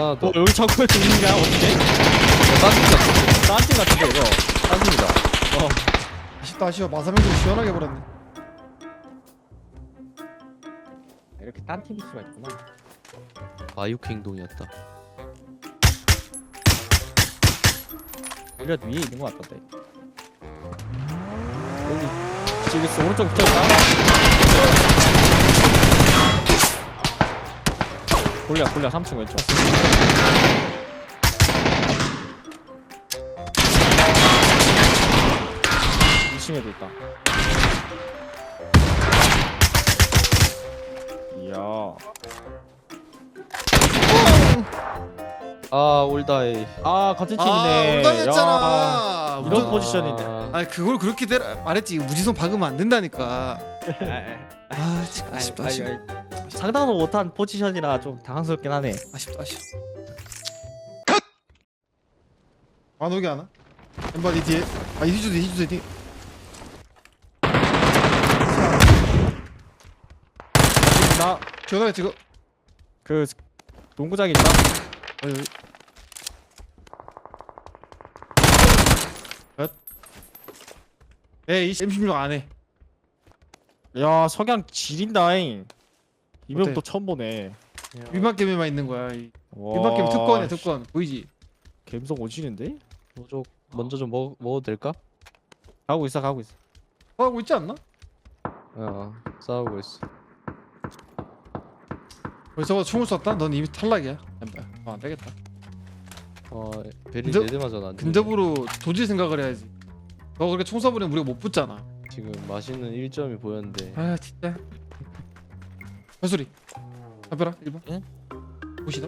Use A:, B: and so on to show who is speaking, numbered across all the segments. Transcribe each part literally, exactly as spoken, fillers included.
A: 하나 더.
B: 어 여기 자꾸 있는가 어떻게?
A: 딴팀 같은데.
B: 딴팀 같은데 이거.
A: 딴팀이다.
B: 어.
C: 아쉽다 아쉬워. 마사명도 시원하게 버렸네.
B: 이렇게 딴 팀일 수가 있구나.
A: 아육 행동이었다.
B: 우리가 위에 있는 것 같던데. 여기 지금 있어. 오른쪽 붙어있다. 골리야 골리야 삼 층 왼쪽. 이 층에도 있다. 이야.
A: 아 올다이.
B: 아 같은
C: 아
B: 팀이네.
C: 엉덩이였잖아.
B: 이런
C: 무조-
B: 포지션인데.
A: 아,
C: 아니 그걸 그렇게 때려 말했지. 무지성 박으면 안 된다니까. 아 참, 아쉽다 아쉽다
B: 상당도 못한 포지션이라 좀 당황스럽긴 하네.
C: 아쉽다 아쉽다. 안 오게 하나? 엠바 니 뒤에. 아 이주도 이주도 뒤.
B: 나
C: 전화가 지금.
B: 그 농구장 있나?
C: 어 여기. 몇? 에이 엠십육 안 해.
B: 야 석양 지린다잉. 이명
C: 어때?
B: 또 처음 보네.
C: 위만 게임에만 있는 거야. 이
B: 와,
C: 위만 게임 특권이야 특권. 보이지?
B: 감성 오지는데?
A: 먼저 먼저 좀 먹 먹어도 될까?
B: 가고 있어 가고 있어.
C: 하고 있지 않나?
A: 어 싸우고 있어.
C: 벌써 총을 쐈다? 넌 이미 탈락이야. 엠바. 어, 안 되겠다.
A: 어 베리
C: 근접-
A: 네대 맞아 안.
C: 근접으로 도질 생각을 해야지. 너 그렇게 총 쏴버리면 우리가 못 붙잖아.
A: 지금 맛있는 일 점이 보였는데.
C: 아 진짜. 발소리. 잡혀라 일 번.
B: 응?
C: 보시다.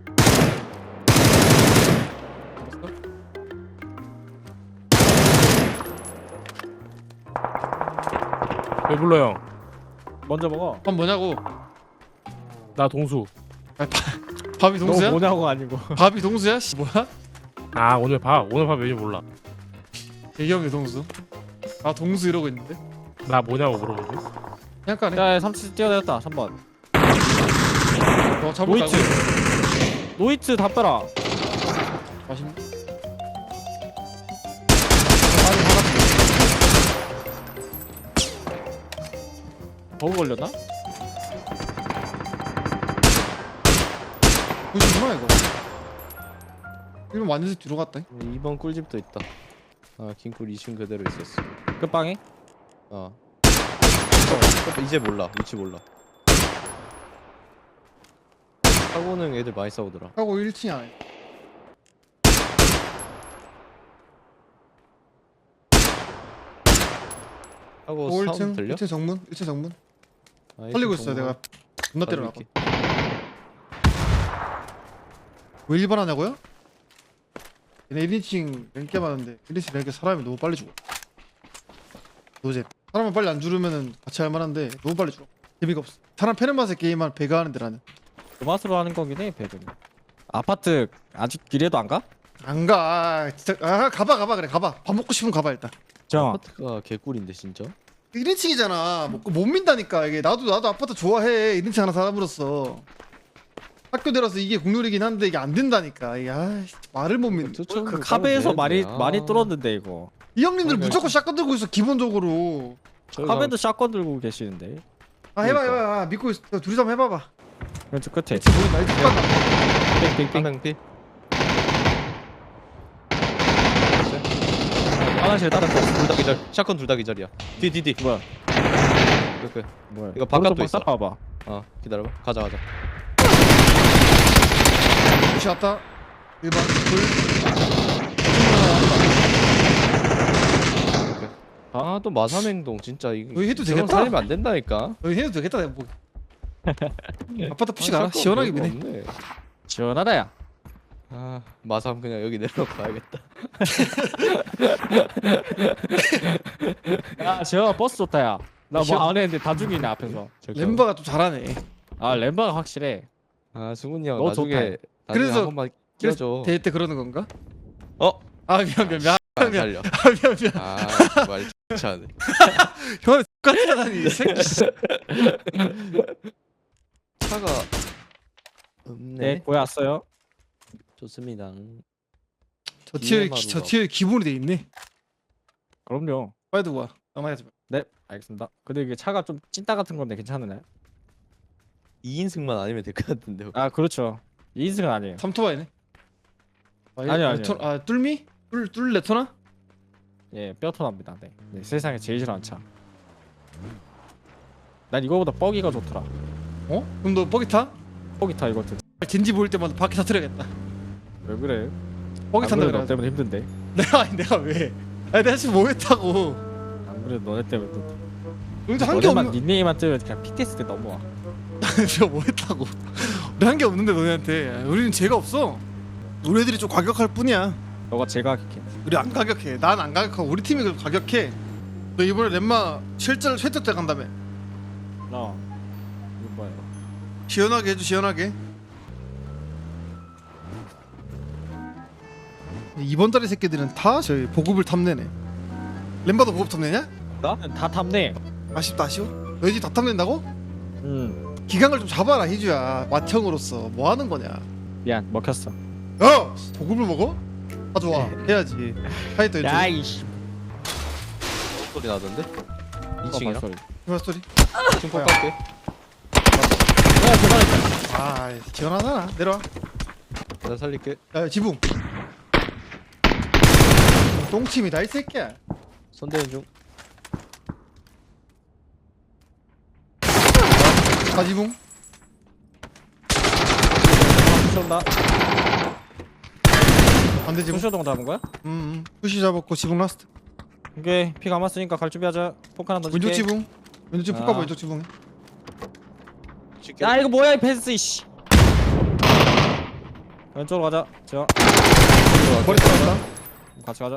D: 왜 불러요?
B: 먼저 먹어.
C: 밥 뭐냐고.
D: 나 동수.
C: 아, 밥, 밥이
B: 너
C: 동수야?
B: 뭐냐고 아니고.
C: 밥이 동수야? 씨 뭐야?
D: 아 오늘 밥 오늘 밥 메뉴 몰라.
C: 대경이 동수. 아 동수 이러고 있는데.
D: 나 뭐냐고 물어보지.
C: 그냥 까네.
B: 야 삼 층 뛰어내렸다 삼 번.
C: 너 잡을
B: 노이트. 노이트 다 빼라.
C: 맛있네.
B: 버그 걸렸나?
C: 보시구나 이거. 일 번 완전히 뒤로 갔다.
A: 이 번 꿀집도 있다. 아 긴꿀 이 층 그대로 있었어.
B: 끝방에?
A: 어. 어, 이제 몰라. 위치 몰라. 사고는 애들 많이 싸우더라.
C: 하고 일 층이 안에.
A: 사고
C: 오 일 층
A: 사운드 들려?
C: 일 층 정문 일 층 정문.
A: 아,
C: 살리고
A: 일 층
C: 있어요 내가. 존나 때려놔.
A: 살릴게.
C: 왜 일 번 하냐고요? 얘네 일 인칭 랭게 많은데 일 인칭 랭게 사람이 너무 빨리 죽어. 노잼. 사람을 빨리 안 죽으면은 같이 할 만한데 너무 빨리 죽어. 재미가 없어. 사람 패는 맛에 게임만 배가 하는데 나는
B: 그 맛으로 하는 거긴 해 배그는. 아파트 아직 길에도 안 가?
C: 안 가. 진짜 아 가봐 가봐 그래 가봐. 밥 먹고 싶으면 가봐 일단.
B: 정.
A: 아파트가 개꿀인데 진짜.
C: 일 인칭이잖아. 뭐, 못 민다니까 이게. 나도 나도 아파트 좋아해. 일 인칭 하나 사람으로서. 학교 들어서 이게 국룰이긴 한데 이게 안 된다니까. 이게 아이씨, 말을 못 믿.
A: 투척으로
B: 그
A: 따로
B: 카베에서
A: 되는데.
B: 많이
A: 아.
B: 많이 뚫었는데 이거.
C: 이 형님들
A: 그러니까.
C: 무조건 샷건 들고 있어 기본적으로.
A: 저희가
B: 카베도 샷건 들고 계시는데.
C: 아 해봐
A: 그러니까.
C: 해봐 해봐. 믿고 있어. 둘이서 한번 해봐봐.
B: 왼쪽 끝에.
C: 지금 보인다. 이제 툭 간다.
B: 빙빙빙.
A: 한명피
B: 화장실 따라 거.
A: 둘다 기절. 샷건 둘 다 기절이야. 뒤뒤뒤.
B: 뭐야?
A: 그, 그.
B: 뭐야?
A: 이거 바깥도
B: 오른쪽
A: 있어.
B: 싹 봐봐.
A: 어 기다려봐. 가자 가자.
C: 무시 왔다. 일 번 둘.
A: 아또 마삼행동 진짜 이거
C: 여기 해도
A: 저건
C: 되겠다.
A: 살리면 안 된다니까.
C: 여기 해도 되겠다 내가 뭐. 아파트 푸시
A: 아,
C: 가라.
A: 샷건
C: 시원하게
A: 별거
C: 미네.
A: 없네.
B: 시원하다야.
A: 아 마삼 그냥 여기 내려놓고 가야겠다.
B: 야 지현아 버스 좋다야. 나
C: 시원-
B: 뭐 안 했는데 다 죽이네 앞에서.
C: 램바가 좀 잘하네.
B: 아 램바가 확실해.
A: 아 승훈이 형
B: 너
A: 나중에 나중에
C: 그래서-
A: 한 번만 끼워줘.
C: 대회 때 그러는 건가?
A: 어?
C: 아 미안 미안 미안.
A: 안
C: 미안.
A: 살려.
C: 아 미안 미안.
A: 아말 좋지 않네.
C: 형은 똑같잖아니 이 새끼.
A: 차가 없네.
B: 네 보였어요.
A: 좋습니다.
C: 저 티어
A: 디엠아르가
C: 저 티어 기본이 돼 있네.
B: 그럼요.
C: 빨리 두고 와. 낭만하지 마.
B: 네, 알겠습니다. 근데 이게 차가 좀 찐따 같은 건데 괜찮으나요?
A: 이 인승만 아니면 될 것 같은데.
B: 아, 그렇죠. 이 인승은 아니에요.
C: 삼토바이네. 아,
B: 아니요, 아니요.
C: 레토, 아 뚫미? 뚫, 뚫 레토나?
B: 예, 뼈토납니다. 네. 네, 세상에 제일 싫어하는 차. 난 이거보다 뻐기가 좋더라.
C: 어? 그럼 너 버기 타?
B: 뻐기 타 이것도.
C: 젠지 보일 때마다 바퀴 타트려야겠다.
B: 왜 그래?
C: 버기
B: 안
C: 탄다
B: 그래도
C: 그래.
B: 너 때문에 힘든데.
C: 내가 아니 내가 왜? 아니 내가 지금 뭐 했다고?
B: 안 그래도 너네 때문에 또.
C: 여기서 한 게
B: 너네만
C: 없는.
B: 닉네임만 뜨면 그냥 피티에스 때 넘어와.
C: 내가 뭐 했다고? 우리 한 게 없는데 너네한테. 우리는 죄가 없어. 우리 애들이 좀 과격할 뿐이야.
B: 너가 제가 이렇게.
C: 우리 안 가격해. 난 안 가격하고 우리 팀이 그래도 가격해. 너 이번에 렘마 실전 쇠득 때 간다며.
B: 어. 이거 뭐야?
C: 시원하게 해줘 시원하게. 이번 달에 새끼들은 다 저희 보급을 탐내네. 렘바도 보급 탐내냐?
B: 나? 다 탐내.
C: 아쉽다 아쉬워. 너희 집 다 탐낸다고?
B: 음.
C: 기강을 좀 잡아라 희주야. 맏형으로서 뭐 하는 거냐?
B: 미안, 먹혔어.
C: 야! 보급을 먹어? 아 좋아 해야지. 하이터 이쪽.
B: 야이씨.
A: 소리 나던데?
B: 어,
A: 이 층이랑?
B: 소리.
C: 이마 스토리.
A: 이 층 깎게.
B: 야, 대단했다.
C: 아 지원하잖아. 내려와.
A: 내가 살릴게.
C: 야 지붕. 똥침이다 이 새끼야.
A: 손대는 중.
C: 다 지붕.
B: 쏜다.
C: 반대 지붕.
B: 소쇼동 잡은 거야?
C: 음, 음. 푸시 잡았고 지붕 라스트.
B: 오케이. 피 감았으니까 갈 준비하자. 폭 하나 넣어줄게.
C: 왼쪽 지붕. 왼쪽 지붕
B: 아.
C: 폭 가봐 왼쪽 지붕에.
B: 야, 이거 뭐야 이 패스 이씨. 왼쪽으로 가자. 저
C: 머리 들어갔다.
B: 같이 가자.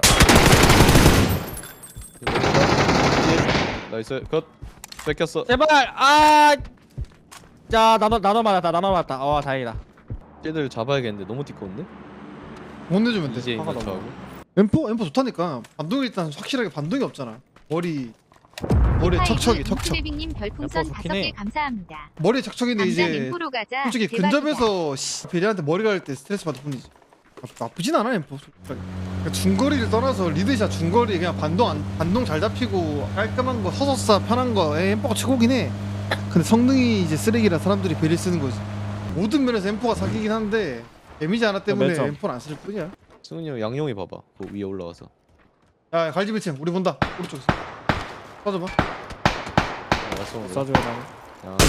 A: 나이스. 컷. 뺏겼어.
B: 제발. 아. 자, 나눠 나눠 맞았다. 나눠 맞았다. 어, 다행이다.
A: 쟤들 잡아야겠는데 너무 티꺼운데?
C: 못 내주면 돼.
A: 이제
B: 화가
A: 인가
B: 너무.
A: 저하고.
C: 엠포 엠포 좋다니까. 반동이 일단 확실하게 반동이 없잖아. 머리 머리에 척척이 척척.
E: 님 별풍선
B: 엠포
E: 다섯
B: 좋긴 해.
E: 개 감사합니다.
C: 머리에 척척인데
E: 감자
C: 이제
E: 엠포로 가자.
C: 솔직히
E: 대박이다.
C: 근접에서 씨, 베리한테 머리 갈 때 스트레스 받을 뿐이지. 나- 나쁘진 않아 엠포. 그러니까 중거리를 떠나서 리드샷 중거리 그냥 반동 안, 반동 잘 잡히고 깔끔한 거 서서싸 편한 거 에, 엠포가 최고긴 해. 근데 성능이 이제 쓰레기라 사람들이 베리 쓰는 거지. 모든 면에서 엠포가 사기긴 한데 데미지 하나 때문에
B: 매점.
C: 엠포는 안 쓸 뿐이야.
A: 승훈이 형 양용이 봐봐. 그 위에 올라와서.
C: 야 갈집일 층 우리 본다. 오른쪽에서 빠져봐.
A: 아, 왔어. 오늘.
B: 쏴줘야 돼.
A: 야,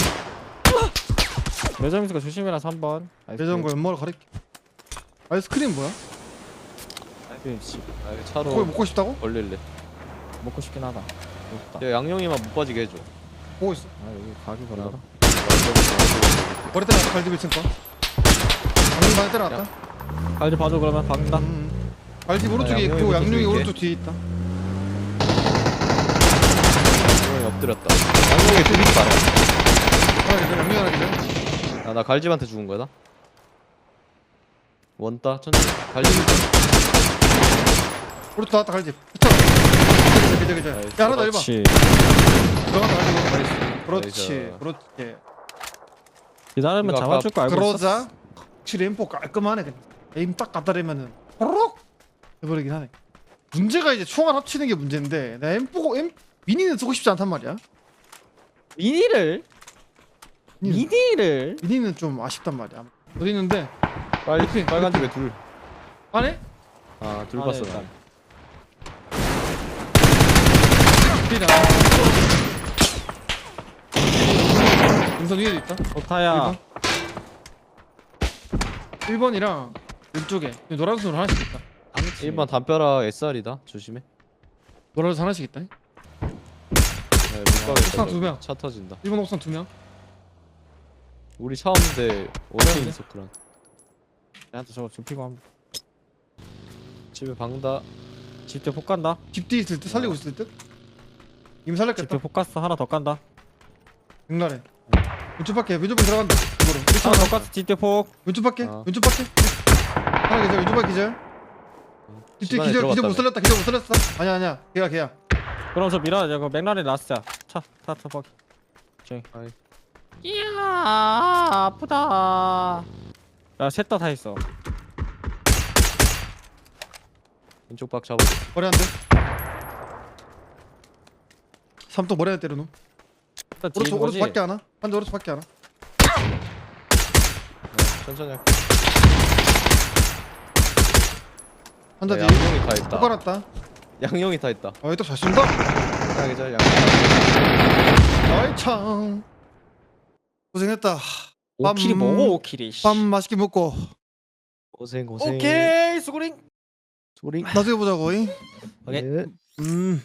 B: 매점이니까 조심해라 삼 번.
C: 예전거 연마를 가릴게. 아이스크림 뭐야?
B: 씨.
A: 아, 이거
C: 그걸
A: 차로
C: 먹고 싶다고?
A: 걸릴래.
B: 먹고 싶긴 하다. 없다.
A: 야, 양용이만 못 빠지게 해줘.
C: 보고 있어.
B: 아, 여기 가기 걸려라.
C: 머리 때려놨다 갈집일 층 거. 방금 많이 때려놨다.
B: 빨리 봐줘 그러면 박는다.
C: 음. 갈집 오른쪽에
A: 아, 양념이
C: 있고
A: 밑에
C: 양념이
A: 줄게.
C: 오른쪽 뒤에 있다.
A: 양용이 엎드렸다. 양용이 뚜비지 마라.
C: 하나 기절 양념 하나 기절.
A: 아, 나 갈집한테 죽은 거야, 나? 원따 천천히. 갈집.
C: 오른쪽 나왔다 갈집. 붙어. 기절 기절 기절.
A: 나이스.
C: 야 하나 더 해봐.
B: 그렇지.
C: 들어간다 갈집.
A: 나이스.
C: 그렇지.
A: 나이스.
C: 그렇지.
B: 기다리면
A: 이거
B: 잡아줄 거 알고
C: 그러자
B: 있었어.
C: 확실히 엠포 깔끔하네 그냥. 에임 딱 갖다 대면은 호로록 해버리긴 하네. 문제가 이제 총알 합치는 게 문제인데 나 엠포 엠 미니는 쓰고 싶지 않단 말이야.
B: 미니를
C: 미니.
B: 미니를
C: 미니는 좀 아쉽단 말이야. 어디 있는데?
A: 빨리
C: 이렇게,
A: 빨간 집에 둘.
C: 안에?
A: 아, 둘
B: 아,
A: 봤어.
B: 네,
A: 나.
B: 일단.
C: 필이야. 인선 위에도 있다.
B: 좋다야.
C: 일 번이랑 왼쪽에 노란색으로 하나씩 있다.
A: 일 번 담벼락 에스알이다. 조심해.
C: 노란색 하나씩 있다.
A: 야, 못 가겠다.
C: 옥상 두 명.
A: 차 터진다.
C: 일 번 옥상 두 명.
A: 우리 차 없는데 어디 있어 그런.
B: 나한테 저거 좁히고 한번.
A: 집에 방다.
B: 집대 폭 간다.
C: 집 뒤에 있을 때 살리고 있을 듯. 이미 살렸겠다.
B: 집대 폭 갔어. 하나 더 간다.
C: 백날에. 왼쪽 밖에 왼쪽 밖에 들어간다. 이거로.
B: 하나 더 갔어. 집대 폭.
C: 왼쪽 밖에
A: 아.
C: 왼쪽 밖에. 하나 기절 왼쪽 밖에 기절. 집 뒤에
A: 집안에
C: 기절 기절 못
A: 들어갔다며.
C: 살렸다. 기절 못 살렸어. 아니야 아니야. 걔야 걔야.
B: 그럼 저 밀어. 저거 맥라렌 라스트야. 차. 타. 타. 버기. 저기.
A: 아이.
B: 이야 아프다. 야 셋 다 다 있어.
A: 왼쪽 박 잡아.
C: 머리 한 대. 삼뚝 머리 하나 때려놓음.
B: 일단 뒤에
C: 오른쪽
B: 있는 거지?
C: 오른쪽 밖에 하나. 한대 오른쪽 밖에 하나.
A: 천천히 할게.
C: 한대
A: 야,
C: 뒤에.
A: 양용이 다
C: 또
A: 있다.
C: 깔았다.
A: 양용이 다 있다.
C: 아, 얘 또 잘 쏜다.
A: 하나 계절 양.
C: 아이 참. 고생했다.
B: 오 킬이
C: 빰.
B: 뭐고 오 킬이
C: 밥 맛있게 먹고
A: 고생 고생.
B: 오케이 수고링
A: 소리.
C: 나중에 보자고. 잉?
B: 오케이.
A: 네.
C: 음.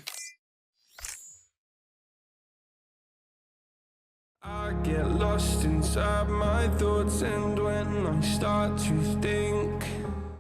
E: I get lost inside my thoughts, and when I start to think